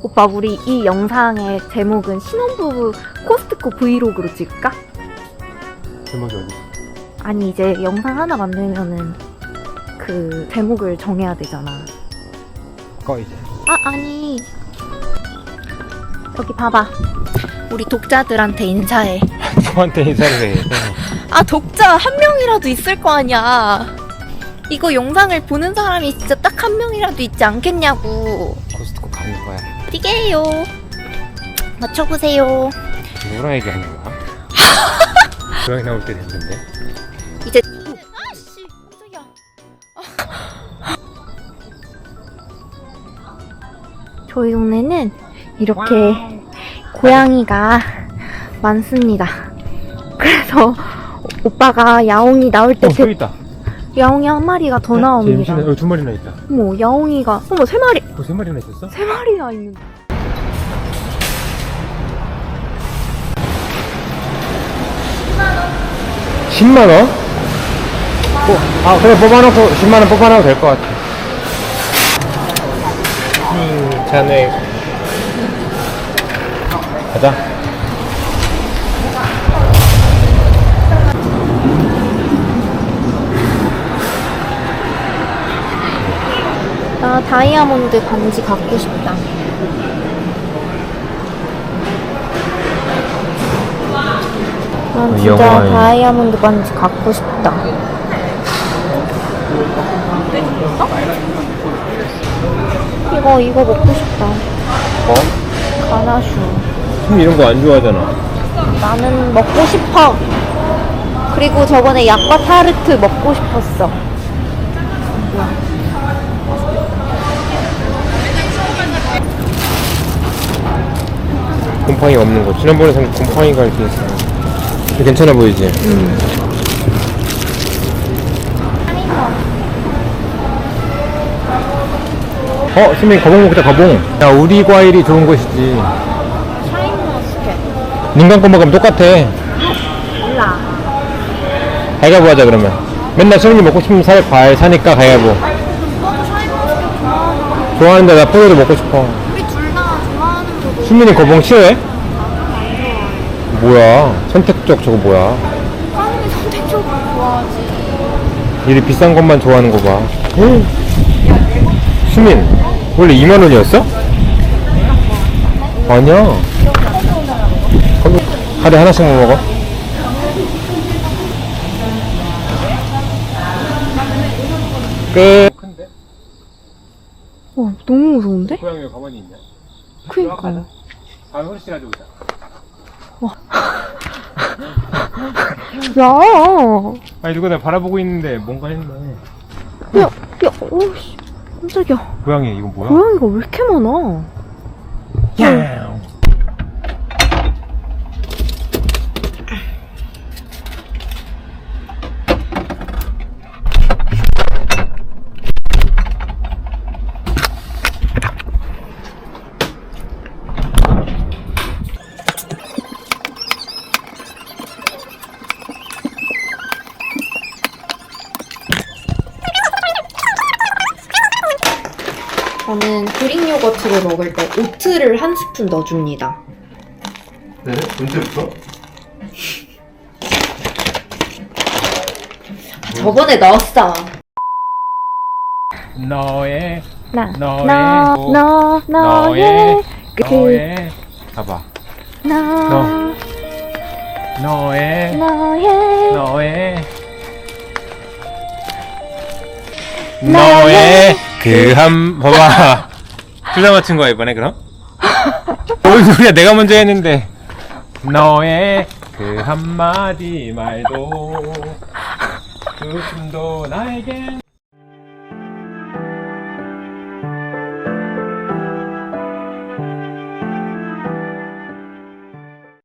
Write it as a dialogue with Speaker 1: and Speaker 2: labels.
Speaker 1: 오빠, 우리 이 영상의 제목은 신혼부부 코스트코 브이로그로 찍을까?
Speaker 2: 제목이 어디?
Speaker 1: 아니, 이제 영상 하나 만들면은 그 제목을 정해야 되잖아.
Speaker 2: 꺼 이제.
Speaker 1: 아니. 여기 봐봐. 우리 독자들한테 인사해.
Speaker 2: 저한테 인사를 해.
Speaker 1: 아, 독자 한 명이라도 있을 거 아니야. 이거 영상을 보는 사람이 진짜 딱 한 명이라도 있지 않겠냐고.
Speaker 2: 코스트코 가는 거야.
Speaker 1: 띠게요. 맞춰보세요.
Speaker 2: 누구랑 얘기하는 거야? 고양이 나올 때 됐는데.
Speaker 1: 이제 아씨, 깜짝이야. 저희 동네는 이렇게 고양이가 많습니다. 그래서 오빠가 야옹이 나올 때
Speaker 2: 저기 있다.
Speaker 1: 야옹이 한 마리가 더 나옵니다.
Speaker 2: 여기 두 마리나 있다.
Speaker 1: 어머, 야옹이가 세 마리.
Speaker 2: 세 마리나 있었어?
Speaker 1: 3마리나 있는데.
Speaker 2: 10만 원? 그래 뽑아놓고 10만 원 뽑아놔도 될 것 같아. 자네 가자.
Speaker 1: 나 다이아몬드 반지 갖고 싶다. 난 진짜
Speaker 2: 영화에.
Speaker 1: 다이아몬드 반지 갖고 싶다. 이거 먹고 싶다. 가나슈.
Speaker 2: 이런 거 안 좋아하잖아.
Speaker 1: 나는 먹고 싶어. 그리고 저번에 약과 타르트 먹고 싶었어.
Speaker 2: 곰팡이 없는 거. 지난번에 산 곰팡이가 이렇게 있어. 괜찮아 보이지? 수민 거봉 먹자. 거봉. 야, 우리 과일이 좋은 것이지.
Speaker 1: 샤인머스켓.
Speaker 2: 눈 감고 먹으면 똑같아.
Speaker 1: 몰라.
Speaker 2: 가위바위보 하자 그러면. 맨날 수민이 먹고 싶은 과일 사니까 가위바위보.
Speaker 1: 오빠도 샤인머스켓 좋아하는 거.
Speaker 2: 좋아하는데 나 포도도 먹고 싶어.
Speaker 1: 우리 둘 다 좋아하는 거고.
Speaker 2: 수민이 거봉 싫어해? 뭐야? 선택적 저거 뭐야?
Speaker 1: 당연히 선택적으로 좋아하지.
Speaker 2: 이리 비싼 것만 좋아하는 거 봐. 수민, 원래 2만 원이었어? 아니야. 하루에 하나씩만 먹어. 끝. 큰데?
Speaker 1: 너무 무서운데?
Speaker 2: 고양이 왜 가만히 있냐?
Speaker 1: 그니까.
Speaker 2: 아, 훨씬 가져오자.
Speaker 1: 야,
Speaker 2: 아니, 누가 나 바라보고 있는데 뭔가 했네.
Speaker 1: 오씨, 깜짝이야.
Speaker 2: 고양이, 이건 뭐야?
Speaker 1: 고양이가 왜 이렇게 많아?
Speaker 2: 야.
Speaker 1: 저는 그릭 요거트를 먹을 때 오트를 한 스푼 넣어줍니다.
Speaker 2: 네? 언제부터?
Speaker 1: 저번에 넣었어.
Speaker 2: 너의
Speaker 1: 너의
Speaker 2: 봐봐.
Speaker 1: 너의
Speaker 2: 너의 그 봐봐. 둘 다 맞춘 거야 이번에 그럼? 뭔 소리야, 내가 먼저 했는데. 너의 그 한마디 말도 그 춤도 나에겐